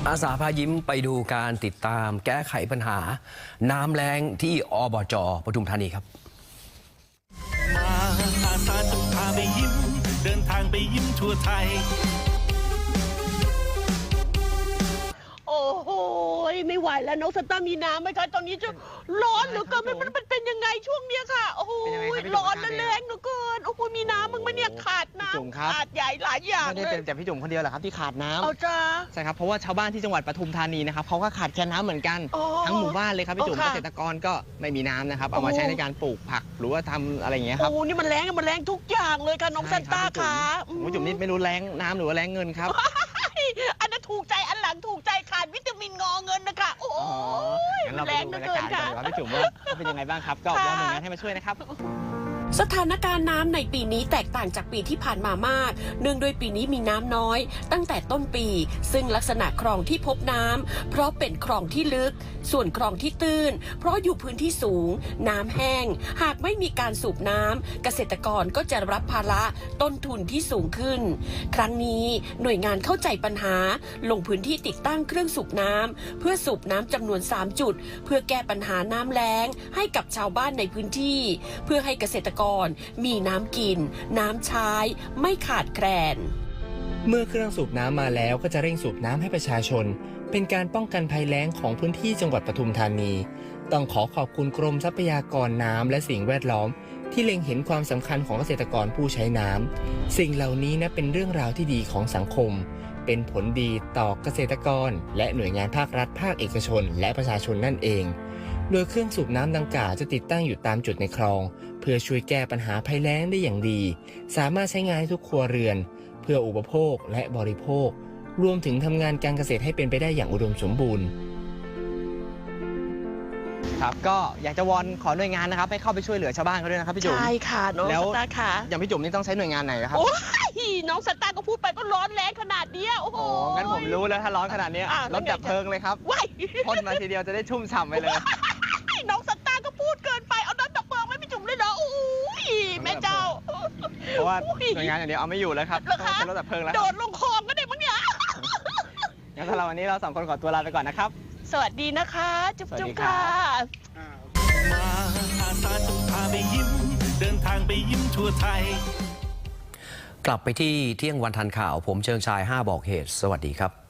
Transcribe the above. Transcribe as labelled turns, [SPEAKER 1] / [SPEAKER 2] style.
[SPEAKER 1] อาสาพายิ้มไปดูการติดตามแก้ไขปัญหาน้ำแล้งที่อบจ.ปทุมธานีครับ
[SPEAKER 2] มาอาสาจะพาไปยิ้มเดินทางไปยิ้มทั่วไทย
[SPEAKER 3] โอ้โหไม่ไหวแล้วน้องสตาร์มีน้ำไหมคะตอนนี้จะร้อนเหลือเกินมันเป็นยังไงช่วงเนี้ยค่ะโอ้โหร้อนและแรงเหลือเกินโอ้โหมีน้ำมึงไหมเนี่ยขาดน้ำขาดใหญ่หลายอย่าง
[SPEAKER 4] ไม่ได้เป็นแต่พี่จุ๋มคนเดียวหรอกครับที่ขาดน้ำ
[SPEAKER 3] เอาจ้า
[SPEAKER 4] ใช่ครับเพราะว่าชาวบ้านที่จังหวัดปทุมธานีนะครับเขาก็ขาดแคลนน้ำเหมือนกันทั้งหมู่บ้านเลยครับพี่จุ๋มเกษตรกรก็ไม่มีน้ำนะครับเอามาใช้ในการปลูกผักหรือว่าทำอะไรอย่างเงี้ยครับ
[SPEAKER 3] โอ้นี่มันแรงทุกอย่างเลยค่ะน้องซันต้าค่ะ
[SPEAKER 4] พี่จุ๋มนี่ไม่รู้แรงน้ำหรือว่าแรงเงินครับ
[SPEAKER 3] อันนั้นถูกใจอันหลังถูกใจขาดวิตามินงอเงินนะคะโอ้ยแรงเหลือเกินค่ะ
[SPEAKER 4] พี่จุ๋มว่าเป็นยังไงบ้างครับก็วอนหน่วยงานให้มาช่วยนะครับ
[SPEAKER 5] สถานการณ์น้ำในปีนี้แตกต่างจากปีที่ผ่านมามากเนื่องด้วยปีนี้มีน้ำน้อยตั้งแต่ต้นปีซึ่งลักษณะคลองที่พบน้ำเพราะเป็นคลองที่ลึกส่วนคลองที่ตื้นเพราะอยู่พื้นที่สูงน้ำแห้งหากไม่มีการสูบน้ำเกษตรกรก็จะรับภาระต้นทุนที่สูงขึ้นครั้งนี้หน่วยงานเข้าใจปัญหาลงพื้นที่ติดตั้งเครื่องสูบน้ำเพื่อสูบน้ำจำนวน3จุดเพื่อแก้ปัญหาน้ำแล้งให้กับชาวบ้านในพื้นที่เพื่อให้เกษตรกรมีน้ำกินน้ำใช้ไม่ขาดแคลน
[SPEAKER 6] เมื่อเครื่องสูบน้ำมาแล้วก็จะเร่งสูบน้ำให้ประชาชนเป็นการป้องกันภัยแล้งของพื้นที่จังหวัดปทุมธานีต้องขอบคุณกรมทรัพยากรน้ำและสิ่งแวดล้อมที่เล็งเห็นความสำคัญของเกษตรกรผู้ใช้น้ำสิ่งเหล่านี้นะเป็นเรื่องราวที่ดีของสังคมเป็นผลดีต่อเกษตรกรและหน่วยงานภาครัฐภาคเอกชนและประชาชนนั่นเองโดยเครื่องสูบน้ำดังกล่าวจะติดตั้งอยู่ตามจุดในคลองเพื่อช่วยแก้ปัญหาภัยแล้งได้อย่างดีสามารถใช้งานให้ทุกครัวเรือนเพื่ออุปโภคและบริโภครวมถึงทำงานการเกษตรให้เป็นไปได้อย่างอุดมสมบูรณ์
[SPEAKER 4] ครับก็อยากจะวอนขอหน่วยงานนะครับให้เข้าไปช่วยเหลือชาวบ้านเขาด้วยนะครับพี่จุ๋ม
[SPEAKER 3] ใช่ค่ะน้องสตาร์ค่ะ
[SPEAKER 4] อย่างพี่จุ๋มนี่ต้องใช้หน่วยงานไหนครับ
[SPEAKER 3] โอ้ยน้องสตาร์ก็พูดไปก็ร้อนแรงขนาดนี้โอ้โห
[SPEAKER 4] งั้นผมรู้แล้วถ้าร้อนขนาดนี้รถดับเพลิงเลยครับพ่นมาทีเดียวจะได้ชุ่มฉ่ำไปเลย
[SPEAKER 3] น้องสตาร์ก็พูดเกินไปเอารถดับเพลิงไม่พี่จุ๋มเลยเหรอโอ้ยแม่เจ้า
[SPEAKER 4] เพราะว่าหน่วยงานอย่างเดียวเอาไม่อยู่แล้วครับต้องใช้รถดับเพลิงแล้ว
[SPEAKER 3] โดดลงคลองก็ได้มั้งเนี่ย
[SPEAKER 4] งั้นสำหรับวันนี้เรา2 คนขอตัวลาไปก่อนนะครับ
[SPEAKER 3] สวัสดีนะคะจุ๊บๆค่ะ
[SPEAKER 2] มาอาสาจะพาไปยิ้มเดินทางไปยิ้มทั่วไทย
[SPEAKER 1] กลับไปที่เที่ยงวันทันข่าวผมเชิงชาย5บอกเหตุสวัสดีครับ